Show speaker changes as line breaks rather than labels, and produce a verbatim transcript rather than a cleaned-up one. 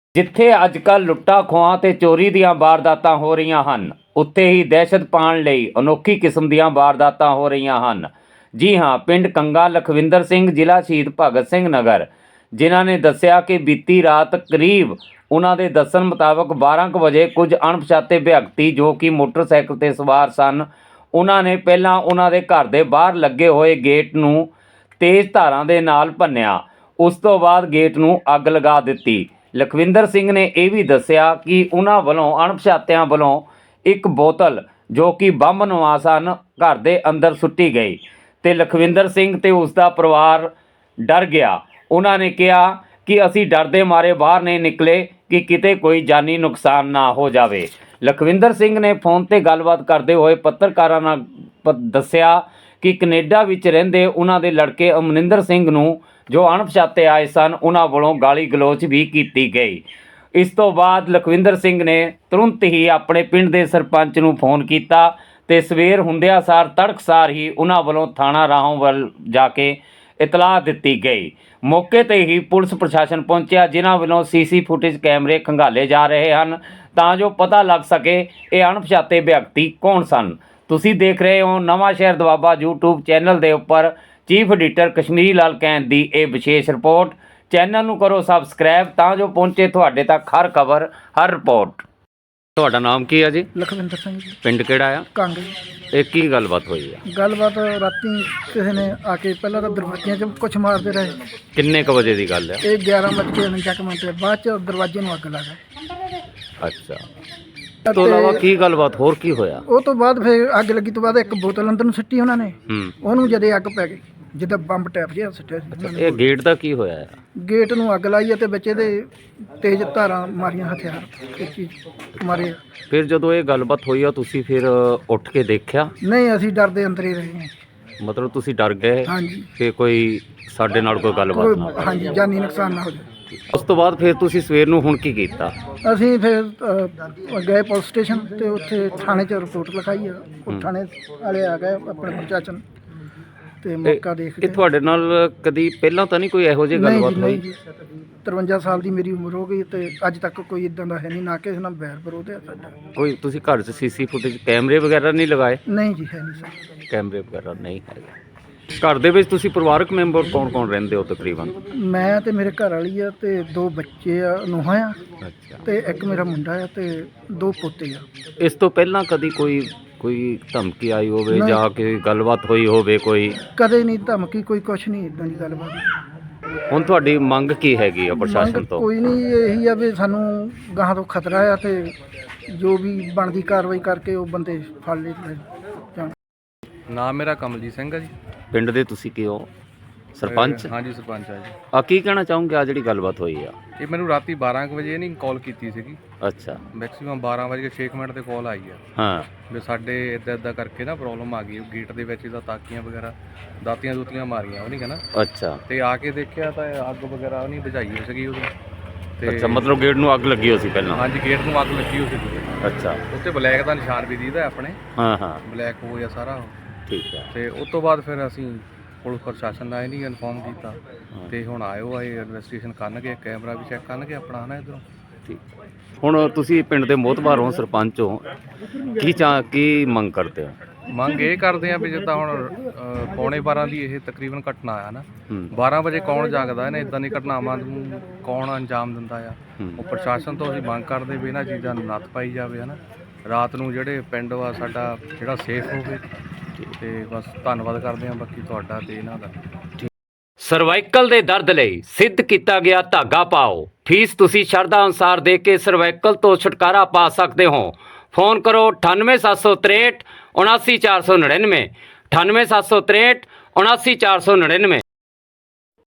ਜਿੱਥੇ ਅੱਜ ਕੱਲ੍ਹ ਲੁੱਟਾਂ ਖੋਹਾਂ ਤੇ ਚੋਰੀ ਦੀਆਂ ਵਾਰਦਾਤਾਂ ਹੋ ਰਹੀਆਂ ਹਨ, ਉੱਥੇ ਹੀ ਦਹਿਸ਼ਤ ਪਾਉਣ ਲਈ ਅਨੋਖੀ ਕਿਸਮ ਦੀਆਂ ਵਾਰਦਾਤਾਂ ਹੋ ਰਹੀਆਂ ਹਨ। ਜੀ ਹਾਂ, ਪਿੰਡ ਕੰਗਾ ਲਖਵਿੰਦਰ ਸਿੰਘ, ਜ਼ਿਲ੍ਹਾ ਸ਼ਹੀਦ ਭਗਤ ਸਿੰਘ ਨਗਰ, ਜਿਨ੍ਹਾਂ ਨੇ ਦੱਸਿਆ ਕਿ ਬੀਤੀ ਰਾਤ ਕਰੀਬ ਉਹਨਾਂ ਦੇ ਦੱਸਣ ਮੁਤਾਬਕ ਬਾਰਾਂ ਕੁ ਵਜੇ ਕੁਝ ਅਣਪਛਾਤੇ ਵਿਅਕਤੀ ਜੋ ਕਿ ਮੋਟਰਸਾਈਕਲ 'ਤੇ ਸਵਾਰ ਸਨ, ਉਹਨਾਂ ਨੇ ਪਹਿਲਾਂ ਉਹਨਾਂ ਦੇ ਘਰ ਦੇ ਬਾਹਰ ਲੱਗੇ ਹੋਏ ਗੇਟ ਨੂੰ ਤੇਜ਼ ਧਾਰਾਂ ਦੇ ਨਾਲ ਭੰਨਿਆ। ਉਸ ਤੋਂ ਬਾਅਦ ਗੇਟ ਨੂੰ ਅੱਗ ਲਗਾ ਦਿੱਤੀ। ਲਖਵਿੰਦਰ ਸਿੰਘ ਨੇ ਇਹ ਵੀ ਦੱਸਿਆ ਕਿ ਉਹਨਾਂ ਵੱਲੋਂ ਅਣਪਛਾਤਿਆਂ ਵੱਲੋਂ ਇੱਕ ਬੋਤਲ ਜੋ ਕਿ ਬੰਬ ਨਵਾ ਸਨ ਘਰ ਦੇ ਅੰਦਰ ਸੁੱਟੀ ਗਈ ਅਤੇ ਲਖਵਿੰਦਰ ਸਿੰਘ ਅਤੇ ਉਸ ਦਾ ਪਰਿਵਾਰ ਡਰ ਗਿਆ। ਉਹਨਾਂ ਨੇ ਕਿਹਾ ਕਿ ਅਸੀਂ ਡਰਦੇ ਮਾਰੇ ਬਾਹਰ ਨਹੀਂ ਨਿਕਲੇ ਕਿ ਕਿਤੇ ਕੋਈ ਜਾਨੀ ਨੁਕਸਾਨ ਨਾ ਹੋ ਜਾਵੇ। ਲਖਵਿੰਦਰ ਸਿੰਘ ਨੇ ਫੋਨ 'ਤੇ ਗੱਲਬਾਤ ਕਰਦੇ ਹੋਏ ਪੱਤਰਕਾਰਾਂ ਨਾਲ ਪ ਦੱਸਿਆ ਕਿ ਕੈਨੇਡਾ ਵਿੱਚ ਰਹਿੰਦੇ ਉਹਨਾਂ ਦੇ ਲੜਕੇ ਅਮਰਿੰਦਰ ਸਿੰਘ ਨੂੰ ਜੋ ਅਣਪਛਾਤੇ ਆਏ ਸਨ, ਉਹਨਾਂ ਵੱਲੋਂ ਗਾਲੀ ਗਲੋਚ ਵੀ ਕੀਤੀ ਗਈ। ਇਸ ਤੋਂ ਬਾਅਦ ਲਖਵਿੰਦਰ ਸਿੰਘ ਨੇ ਤੁਰੰਤ ਹੀ ਆਪਣੇ ਪਿੰਡ ਦੇ ਸਰਪੰਚ ਨੂੰ ਫੋਨ ਕੀਤਾ ਅਤੇ ਸਵੇਰ ਹੁੰਦਿਆਂ ਸਾਰ ਤੜਕਸਾਰ ਹੀ ਉਹਨਾਂ ਵੱਲੋਂ ਥਾਣਾ ਰਾਹੋਂ ਵੱਲ ਜਾ ਕੇ ਇਤਲਾਹ ਦਿੱਤੀ ਗਈ। ਮੌਕੇ 'ਤੇ ਹੀ ਪੁਲਿਸ ਪ੍ਰਸ਼ਾਸਨ ਪਹੁੰਚਿਆ, ਜਿਨ੍ਹਾਂ ਵੱਲੋਂ ਸੀ ਸੀ ਫੁਟੇਜ ਕੈਮਰੇ ਖੰਗਾਲੇ ਜਾ ਰਹੇ ਹਨ ਤਾਂ ਜੋ ਪਤਾ ਲੱਗ ਸਕੇ ਇਹ ਅਣਪਛਾਤੇ ਵਿਅਕਤੀ ਕੌਣ ਸਨ। ਤੁਸੀਂ ਦੇਖ ਰਹੇ ਹੋ ਨਵਾਂ ਸ਼ਹਿਰ ਦੁਆਬਾ ਯੂਟਿਊਬ ਚੈਨਲ ਦੇ ਉੱਪਰ ਚੀਫ ਐਡੀਟਰ ਕਸ਼ਮੀਰੀ ਲਾਲ ਕੈਂਥ ਦੀ ਇਹ ਵਿਸ਼ੇਸ਼ ਰਿਪੋਰਟ। ਚੈਨਲ ਨੂੰ ਕਰੋ ਸਬਸਕ੍ਰਾਈਬ ਤਾਂ ਜੋ ਪਹੁੰਚੇ ਤੁਹਾਡੇ ਤੱਕ ਹਰ ਖਬਰ, ਹਰ ਰਿਪੋਰਟ। ਤੁਹਾਡਾ ਨਾਮ ਕੀ ਹੈ ਜੀ?
ਲਖਵਿੰਦਰ ਸਿੰਘ ਜੀ।
ਪਿੰਡ ਕਿਹੜਾ ਆ?
ਕੰਗ।
ਇਹ ਕੀ ਗੱਲਬਾਤ ਹੋਈ ਆ?
ਗੱਲਬਾਤ ਰਾਤੀ ਕਿਸੇ ਨੇ ਆ ਕੇ ਪਹਿਲਾਂ ਤਾਂ ਦਰਵਾਜ਼ਿਆਂ 'ਚ ਕੁਛ ਮਾਰਦੇ ਰਹੇ।
ਕਿੰਨੇ ਕੁ ਵਜੇ ਦੀ ਗੱਲ ਹੈ?
ਇਹ ਗਿਆਰਾਂ ਵੱਜ ਕੇ ਉਨੰਜਾ ਮਿੰਟ ਤੇ ਬਾਅਦ 'ਚ ਦਰਵਾਜ਼ੇ ਨੂੰ ਅੱਗ ਲੱਗ ਗਈ।
ਅੱਛਾ, ਇਸ ਤੋਂ ਇਲਾਵਾ ਕੀ ਗੱਲਬਾਤ ਹੋਰ ਕੀ ਹੋਇਆ?
ਉਹ ਤੋਂ ਬਾਅਦ ਫਿਰ ਅੱਗ ਲੱਗੀ ਤੋਂ ਬਾਅਦ ਇੱਕ ਬੋਤਲ ਅੰਦਰ ਨੂੰ ਸਿੱਟੀ ਉਹਨਾਂ ਨੇ,
ਹੂੰ,
ਉਹਨੂੰ ਜਦੇ ਅੱਗ ਪੈ ਗਈ ਜਿੱਦਾਂ ਬੰਬ ਟੈਪ ਜਿਹਾ ਸਿੱਟਿਆ ਸੀ ਉਹਨਾਂ ਨੇ।
ਇਹ ਗੇਟ ਦਾ ਕੀ ਹੋਇਆ?
ਗੇਟ ਨੂੰ ਅੱਗ ਲਾਈ ਅਤੇ ਵਿੱਚ ਇਹਦੇ ਤੇਜ਼ ਧਾਰਾਂ ਮਾਰੀਆਂ, ਹਥਿਆਰ ਇਹ ਚੀਜ਼ ਮਾਰੇ।
ਫਿਰ ਜਦੋਂ ਇਹ ਗੱਲਬਾਤ ਹੋਈ ਆ ਤੁਸੀਂ ਫਿਰ ਉੱਠ ਕੇ ਦੇਖਿਆ?
ਨਹੀਂ, ਅਸੀਂ ਡਰਦੇ ਅੰਦਰ ਹੀ ਰਹੇ ਹਾਂ।
ਮਤਲਬ ਤੁਸੀਂ ਡਰ ਗਏ
ਹਾਂਜੀ,
ਕਿ ਕੋਈ ਸਾਡੇ ਨਾਲ ਕੋਈ ਗੱਲਬਾਤ ਨਾ
ਕੋਈ ਹਾਂਜੀ ਜਾਨੀ ਨੁਕਸਾਨ ਨਾ ਹੋ ਜਾਵੇ।
ਉਸ ਤੋਂ ਬਾਅਦ ਫਿਰ ਤੁਸੀਂ ਸਵੇਰ ਨੂੰ ਹੁਣ ਕੀ ਕੀਤਾ?
ਅਸੀਂ ਫਿਰ ਅ, ਗਏ ਪੁਲਿਸ ਸਟੇਸ਼ਨ ਤੇ ਉੱਥੇ ਥਾਣੇ 'ਚ ਰਿਪੋਰਟ ਲਿਖਾਈ ਆ। ਉਹ ਥਾਣੇ ਵਾਲੇ ਆ ਗਏ ਆਪਣੇ ਪ੍ਰਸ਼ਾਸਨ ਤੇ ਮੌਕਾ ਦੇਖ
ਇਹ
ਕੇ।
ਤੁਹਾਡੇ ਨਾਲ ਕਦੀ ਪਹਿਲਾਂ ਤਾਂ ਨਹੀਂ ਕੋਈ ਇਹੋ ਜਿਹੀ
ਨਹੀਂ
ਗੱਲਬਾਤ
ਜੀ,
ਹੋਈ?
ਨਹੀਂ ਜੀ, ਤਰਵੰਜਾ ਸਾਲ ਦੀ ਮੇਰੀ ਉਮਰ ਹੋ ਗਈ ਤੇ ਅੱਜ ਤੱਕ ਕੋਈ ਇਦਾਂ ਦਾ ਹੈ ਨਹੀਂ, ਨਾ ਕਿਸੇ ਨਾਲ ਬੈਰ ਵਿਰੋਧ ਹੈ ਸਾਡਾ।
ਕੋਈ ਤੁਸੀਂ ਘਰ 'ਚ ਸੀਸੀ ਫੁਟੇਜ ਕੈਮਰੇ ਵਗੈਰਾ ਨਹੀਂ ਲਗਾਏ?
ਨਹੀਂ ਜੀ, ਹੈ ਨਹੀਂ ਸਰ।
ਕੈਮਰੇ ਵਗੈਰਾ ਨਹੀਂ ਹੈਗੇ। ਘਰ ਦੇ ਵਿੱਚ ਤੁਸੀਂ ਪਰਿਵਾਰਕ ਮੈਂਬਰ ਕੌਣ ਕੌਣ ਰਹਿੰਦੇ ਹੋ ਤਕਰੀਬਨ?
ਮੈਂ ਤੇ ਮੇਰੇ ਘਰ ਵਾਲੀ ਆ ਤੇ ਦੋ ਬੱਚੇ ਆ, ਨੂੰਹਾਂ ਆ
ਅੱਛਾ,
ਤੇ ਇੱਕ ਮੇਰਾ ਮੁੰਡਾ ਆ ਤੇ ਦੋ ਪੋਤੇ ਆ।
ਇਸ ਤੋਂ ਪਹਿਲਾਂ ਕਦੀ ਕੋਈ ਕੋਈ ਧਮਕੀ ਆਈ ਹੋਵੇ
ਨਹੀਂ।
ਜਾਂ ਕੋਈ ਗੱਲਬਾਤ ਹੋਈ ਹੋਵੇ ਕੋਈ?
ਕਦੇ ਨਹੀਂ ਧਮਕੀ, ਕੋਈ ਕੁਛ ਨਹੀਂ ਇਦਾਂ ਦੀ ਗੱਲਬਾਤ।
ਹੁਣ ਤੁਹਾਡੀ ਮੰਗ ਕੀ ਹੈਗੀ ਆ ਪ੍ਰਸ਼ਾਸਨ
ਮੰਗ
ਤੋਂ?
ਕੋਈ ਨਹੀਂ, ਇਹੀ ਆ ਵੀ ਸਾਨੂੰ ਗਾਹਾਂ ਤੋਂ ਖਤਰਾ ਆ ਤੇ ਜੋ ਵੀ ਬਣਦੀ ਕਾਰਵਾਈ ਕਰਕੇ ਉਹ ਬੰਦੇ ਫੜ ਲਏ ਜਾਣ।
ਨਾਮ ਮੇਰਾ ਕਮਲਜੀਤ ਸਿੰਘ ਹੈ ਜੀ।
ਪਿੰਡ ਦੇ ਤੁਸੀਂ ਕੀ ਹੋ? ਸਰਪੰਚ?
ਹਾਂਜੀ, ਸਰਪੰਚ ਆ ਜੀ।
ਆ ਕੀ ਕਹਿਣਾ ਚਾਹੋਗੇ ਆ ਜਿਹੜੀ ਗੱਲਬਾਤ ਹੋਈ ਆ?
ਇਹ ਮੈਨੂੰ ਰਾਤੀ ਬਾਰਾਂ ਕੁ ਵਜੇ ਨਹੀਂ ਕਾਲ ਕੀਤੀ ਸੀਗੀ।
ਅੱਛਾ,
ਮੈਕਸਿਮਮ ਬਾਰਾਂ ਵਜੇ ਛੇ ਮਿੰਟ ਤੇ ਕਾਲ ਆਈ ਆ
ਹਾਂ,
ਵੀ ਸਾਡੇ ਇੱਦਾਂ ਇੱਦਾਂ ਕਰਕੇ ਨਾ ਪ੍ਰੋਬਲਮ ਆ ਗਈ ਗੇਟ ਦੇ ਵਿੱਚ, ਇਹਦਾ ਤਾਕੀਆਂ ਵਗੈਰਾ ਦਾਤੀਆਂ ਦੂਤੀਆਂ ਮਾਰੀਆਂ ਉਹ ਨਹੀਂ ਕਹਿੰਦਾ।
ਅੱਛਾ
ਤੇ ਆ ਕੇ ਦੇਖਿਆ ਤਾਂ ਅੱਗ ਵਗੈਰਾ ਨਹੀਂ ਬੁਝਾਈ ਹੋਈ ਸੀਗੀ ਉਦੋਂ। ਤੇ
ਅੱਛਾ, ਮਤਲਬ ਗੇਟ ਨੂੰ ਅੱਗ ਲੱਗੀ ਹੋਈ ਸੀ ਪਹਿਲਾਂ?
ਹਾਂਜੀ, ਗੇਟ ਨੂੰ ਅੱਗ ਲੱਗੀ ਹੋਈ ਸੀ।
ਅੱਛਾ,
ਉੱਤੇ ਬਲੈਕ ਦਾ ਨਿਸ਼ਾਨ ਵੀ ਦੀਦਾ ਆਪਣੇ,
ਹਾਂ ਹਾਂ,
ਬਲੈਕ ਹੋ ਗਿਆ ਸਾਰਾ।
ਠੀਕ ਹੈ।
ਤੇ ਉਸ ਤੋਂ ਬਾਅਦ ਫਿਰ ਅਸੀਂ ਪੁਲਿਸ ਪ੍ਰਸ਼ਾਸਨ ਦਾ ਇਹ ਨਹੀਂ ਇਨਫੋਰਮ ਕੀਤਾ ਤੇ ਹੁਣ ਆਇਓ ਆਏ ਇਨਵੈਸਟੀਗੇਸ਼ਨ ਕਰਨਗੇ, ਕੈਮਰਾ ਵੀ ਚੈੱਕ ਕਰਨਗੇ ਆਪਣਾ ਹਨਾ ਇੱਧਰੋਂ।
ਠੀਕ, ਹੁਣ ਤੁਸੀਂ ਪਿੰਡ ਦੇ ਮੋਹਤਬਾਰ ਹੋ, ਸਰਪੰਚ ਹੋ, ਕੀ ਚਾਹ ਕੀ ਮੰਗ ਕਰਦੇ ਹੋ?
ਮੰਗ ਇਹ ਕਰਦੇ ਆ ਵੀ ਜਿੱਦਾਂ ਹੁਣ ਅ, ਪੌਣੇ ਬਾਰਾਂ ਦੀ ਇਹ ਤਕਰੀਬਨ ਘਟਨਾ ਆ ਨਾ,
ਹੂੰ,
ਬਾਰਾਂ ਵਜੇ ਕੌਣ ਜਾਗਦਾ ਇਹਨੇ ਇਦਾਂ ਦੀ ਘਟਨਾਵਾਂ ਨੂੰ ਕੌਣ ਅੰਜਾਮ ਦਿੰਦਾ ਆ।
ਹੂੰ,
ਉਹ ਪ੍ਰਸ਼ਾਸਨ ਤੋਂ ਅਸੀਂ ਮੰਗ ਕਰਦੇ ਵੀ ਇਹਨਾਂ ਚੀਜ਼ਾਂ ਨੂੰ ਨੱਥ ਪਾਈ ਜਾਵੇ ਹਨਾ। ਰਾਤ ਨੂੰ ਜਿਹੜੇ ਪਿੰਡ ਵਾ ਸਾਡਾ ਜਿਹੜਾ ਸੇਫ ਹੋਵੇ। ਤੇ ਬਸ ਧੰਨਵਾਦ ਕਰਦੇ ਆ ਬਾਕੀ ਤੁਹਾਡਾ ਤੇ ਇਹਨਾਂ ਦਾ।
ਸਰਵਾਈਕਲ ਦੇ ਦਰਦ ਲਈ ਸਿੱਧ ਕੀਤਾ ਗਿਆ ਧਾਗਾ ਪਾਓ। ਫੀਸ ਤੁਸੀਂ ਸ਼ਰਧਾ ਅਨੁਸਾਰ ਦੇ ਕੇ ਸਰਵਾਈਕਲ ਤੋਂ ਛੁਟਕਾਰਾ ਪਾ ਸਕਦੇ ਹੋ। ਫੋਨ ਕਰੋ ਅਠਾਨਵੇਂ ਸੱਤ ਸੌ ਤ੍ਰੇਹਠ ਉਨਾਸੀ ਚਾਰ ਸੌ ਨੜਿਨਵੇਂ, ਅਠਾਨਵੇਂ ਸੱਤ ਸੌ ਤ੍ਰੇਹਠ ਉਨਾਸੀ ਚਾਰ ਸੌ ਨੜਿਨਵੇਂ।